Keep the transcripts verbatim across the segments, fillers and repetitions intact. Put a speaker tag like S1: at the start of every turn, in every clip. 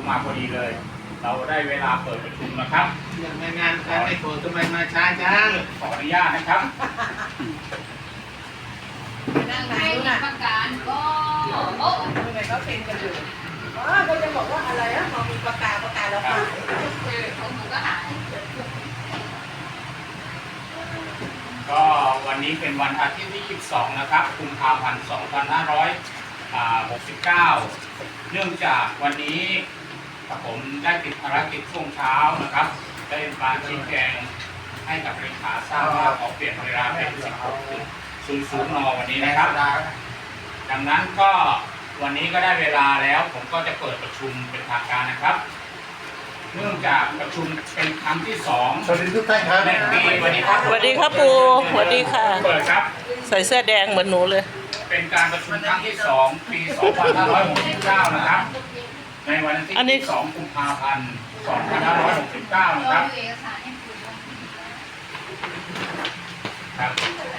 S1: มาพอดีเลย เราได้เวลาเปิดประชุมนะครับ
S2: อย่างในงานการไม่โผล่ทำไมมาช้าจัง
S1: ขออนุญาตนะครับ
S3: นั่งไหนน่ะประการก็โอ้ทำไมเขาเป็นกันอยู่อ๋อเขาจะบอกว่าอะไรอ่ะมองมีประกาศประกาศแล้วหายเออของหนูก็หาย
S1: ก็วันนี้เป็นวันอาทิตย์ที่ยี่สิบสองนะครับกุมภาพันธ์สองพันห้าร้อยหกสิบเก้าเนื่องจากวันนี้ผมได้ติดภารกิจช่วงเช้านะครับ ได้มาชี้แจงให้กับเลขาทราบว่าขอเปลี่ยนเวลาเป็นสิบหกศูนย์ศูนย์นวันนี้นะครับ ดังนั้นก็วันนี้ก็ได้เวลาแล้วผมก็จะเปิดประชุมเป็นทางการนะครับ เนื่องจากประชุมเป็นครั้งที่สอง
S2: สวัสดีทุกท่านครับ
S1: ในปีวันนี้ครับ
S4: สวัสดีครับปู่สวัสดีค่ะ
S1: เปิดครับ
S4: ใส่เสื้อแดงเหมือนหนูเลย
S1: เป็นการประชุมครั้งที่สองปี สองพันห้าร้อยหกสิบเก้า นะครับ ในวันที่
S4: อันนี้
S1: สองกุมภาพันธ์สองพันห้าร้อยหกสิบเก้า นะครับ
S3: เอกสารให้คุณ
S1: ครับ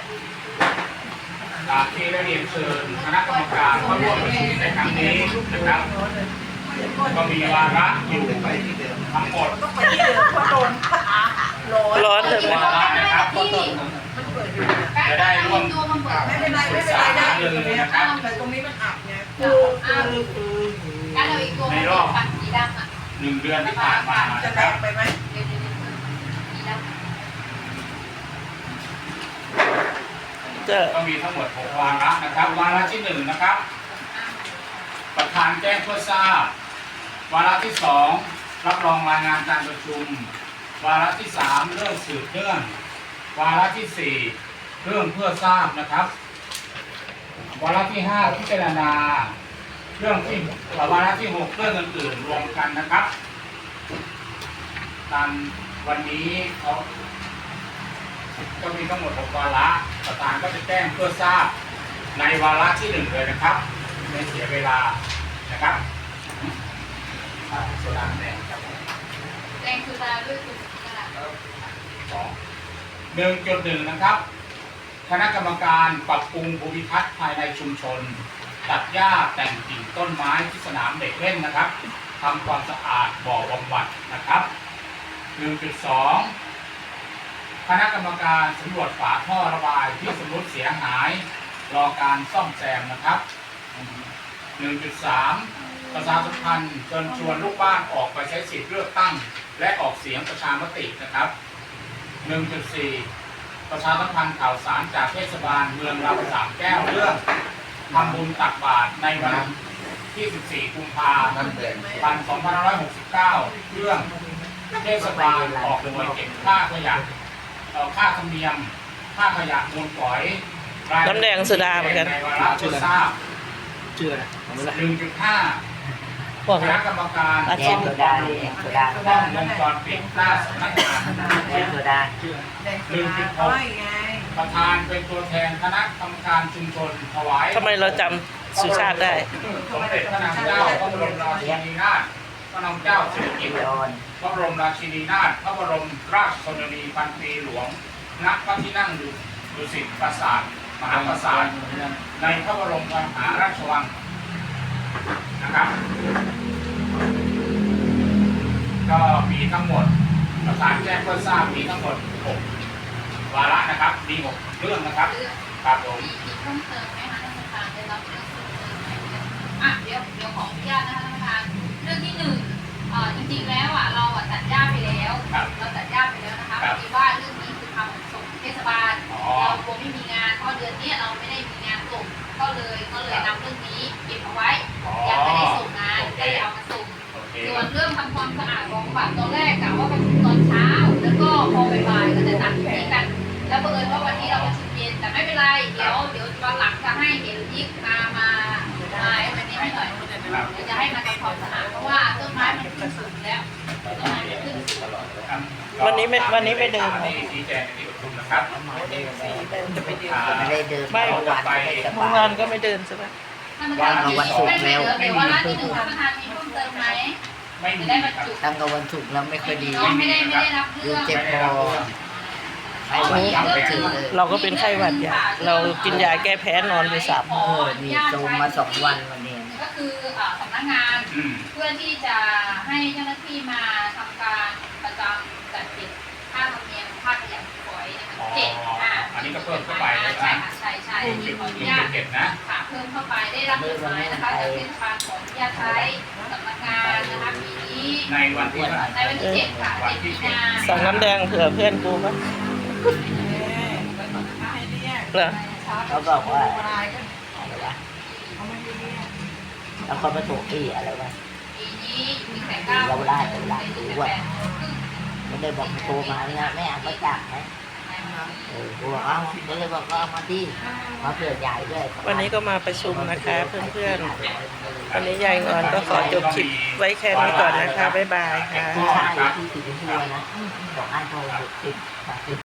S1: ตามที่ได้เรียนเชิญคณะกรรมการเข้าร่วมประชุมในครั้งนี้นะครับ ก็มีวาระอยู่ทั้งหมด
S3: ต้องไปที่เดิมเพราะโดนขาร้อน
S4: ร้อนเลยไหม
S1: วาระนะครับ
S3: ที่
S1: จะได้ร่วม
S3: ตัวมันเปิด
S5: ไม่เป็นไรไม่เป็นไรได้อยู่ตรงนี้นะครับแต่ตรงนี้มันอับไง
S3: คือคือคือการเราอีกตัวมันปัดสีดำอ่ะ
S1: หนึ่งเดือนที่ผ่านมา
S5: จะ
S1: นะค
S5: แด
S1: รับ
S5: งไปไหม
S3: เดี๋ยวเดี๋ยวสีดำ
S4: จะ
S1: ก็มีทั้งหมดหกวาระนะครับ วาระที่หนึ่งนะครับ ประธานแจ้งเพื่อทราบ วาระที่สองรับรองรายงานการประชุม วาระที่สามเรื่องสืบเนื่อง วาระที่สี่เรื่องเพื่อทราบนะครับ วาระที่ห้าพิจารณา เรื่องที่วาระที่หกเรื่องอื่นๆรวมกันนะครับตามวันนี้เขาก็มีทั้งหมดหกวาระประธานก็จะแจ้งเพื่อทราบในวาระที่หนึ่งเลยนะครับไม่เสียเวลานะครับอ่าโซดาแดงครับ
S3: แดงคือตาด้วยจุดกระดาษ
S1: สองหนึ่งจุดหนึ่งนะครับ คณะกรรมการปรับปรุงภูมิทัศน์ภายในชุมชน ตัดหญ้าแต่งกิ่งต้นไม้ที่สนามเด็กเล่นนะครับทำความสะอาดบ่อบำบัดนะครับ หนึ่งจุดสอง คณะกรรมการสำรวจฝาท่อระบายที่สมมติเสียหายรอการซ่อมแซมนะครับ หนึ่งจุดสาม ประชาสัมพันธ์เชิญชวนลูกบ้านออกไปใช้สิทธิเลือกตั้ง และออกเสียงประชามตินะครับ หนึ่งจุดสี่ ประชาสัมพันธ์ข่าวสารจากเทศบาลเมืองลำสามแก้วเรื่องทำบุญตักบาตรในวันที่ สิบสี่ กุมภาพันธ์ สองพันห้าร้อยหกสิบเก้า เรื่องเทศบาลออกหน่วยเก็บค่าขยะเอ่อค่าธรรมเนียม ค่าขยะมูลฝอยรายละเอีย
S4: น้ำแดงโซดาเหมือนกัน
S1: ในวาระเพื่อทราบ
S2: ชื่ออะไรผมไม่รู้
S1: หนึ่งจุดห้า
S4: พวก
S1: คณะกรรมการ
S4: อา
S1: ซ่
S4: ชี
S1: อ
S4: พ
S1: มบำรุงกล้องวงจรปิดหน้าสำนักงาน
S5: แดงโซดาน้อยไง
S1: ประธานเป็นตัวแทนคณะกรรมการชุมชนถวาย
S4: ทำไมเราจำสุชาติได้
S1: สมเด็จพระนางเจ้าพระบรมราชินีนาถพระนางเจ้าสิริกิติ์พระบรมราชินีนาถพระบรมราชชนนีพันปีหลวงณพระที่นั่งดุสิตปราสาทมหาปราสาทในพระบรมมหาราชวังนะครับ ก็มีทั้งหมดประธานแจ้งเพื่อทราบมีทั้งหมดหกวาระนะครับมีหกเรื่องนะครับ
S3: เรื่อง
S1: ครับผม
S3: มีมีเพิ่มเติมไหมคะท่านประธานได้รับเรื่องเพิ่มเติมไหมอ่ะเดี๋ยวเดี๋ยวขออนุญาตนะคะท่านประธานเรื่องที่หนึ่งเอ่อจริงๆแล้วอ่ะเราอ่ะตัดหญ้าไปแล้วเราตัดหญ้าไปแล้วนะคะพอดีว่าเรื่องนี้คือทำส่งเทศบาลเรากลัวไม่มีงานเพราะเดือนนี้เราไม่ได้มีงานส่งก็เลยก็เลยนำเรื่องนี้เก็บเอาไว้ยังไม่ได้ส่งงานก็เลยเอามาส่ง
S1: โอเค
S3: ส่วนเรื่องทำความสะอาดของบัตรตอนแรกกะว่าประชุมตอนเช้า แล้วก็พอบ่ายๆก็จะตัดที่นี้กัน แล้วบังเอิญว่าวันนี้เราประชุมเย็นแต่ไม่เป็นไร เดี๋ยวเดี๋ยววันหลังจะให้เห็นยิกมามามาไอ้วันนี้ให้หน่อยเดี๋ยวจะให้มาทำความสะอาดเพราะว่าต้นไม้มันขึ้นสูงแล้วต้นไม้มันขึ้นสูง
S1: ครับ
S4: วันนี้ไม่วันนี้ไม่เดิน
S1: ที่ชี้แจงในที่ประชุมนะครับ
S4: จะไปเดิน
S1: อ่า
S5: ไม่ได้เดิน
S4: ไม่
S5: เมื่อวานไม่ได้ส
S4: เมื่อบ
S5: า
S4: วาย นก็ไม่เดินใช่ไหม
S3: ท่านประธานมีไม่ไม่เดี๋ยวเดี๋ยววันละที่หนึ่งท่านประธานมีเพิ่มเติมไหม
S1: ไม่มี
S3: จะได้บรร
S1: ครับ
S3: จุ
S5: ตั้งแต่วันศุกร์แล้วไม่ค่อยดี
S3: น้องไม่ได้ไม่ได้รับเรื่อง
S5: เจ็บคอไข้หวัดใหญ่ไปถึงเลย
S4: เราก็เป็นไข้หวัดใหญ่เรากินยาแก้แพ้นอนไปสาม
S5: เออนี่โซมมาสองวันวันนี้
S3: ก็คืออ่าสำนักนักงาน
S1: อืม
S3: เพื่อที่จะให้เจ้าหน้าที่มาทำการประจำจัดเก็บค่าธรรมเนียมค่าขยะฝอยนะคะ
S1: อ๋อ
S3: เจ็ดอ่ะ
S1: อันนี้ก็เพิ่มเข้าไปนะ
S3: ใช่ค่ะใช่ใช่อันนี้ขออนุญาต
S1: เก็บนะ
S3: ค่ะเพิ่มเข้าไปได้รับจดหมายนะคะจากเทศบาลขออนุญาตใช้สำนักงานนะคะปีนี้
S1: ในวันที่เท่าไหร่
S3: ในวันที่เจ็ดค่ะเจ็ดมีนา
S4: สั่งน้ำแดงเผื่อเพื่อนกูปะเหรอ
S5: เขาบอกว่าอะไรวะแล้วก็มาถูกอีอะไรวะ
S3: ปีนี้มีแต่เก้า
S5: เราได้เราได้รู้ว่า มันเลยบอกโทรมาเนี่ยแม่เอามาจากไหมเออกูบอกเอาก็เลยบอกก็เอามาที่มาเผื่อใหญ่ด้วย
S4: วันนี้ก็มาประชุมนะคะเพื่อนๆ วันนี้ยายงอนก็ขอจบคลิปไว้แค่นี้ก่อนนะคะ บ๊ายบายค่ะ
S5: ผู้ชายที่ถือหัวนะบอกให้โทรหกสิบสามสิบ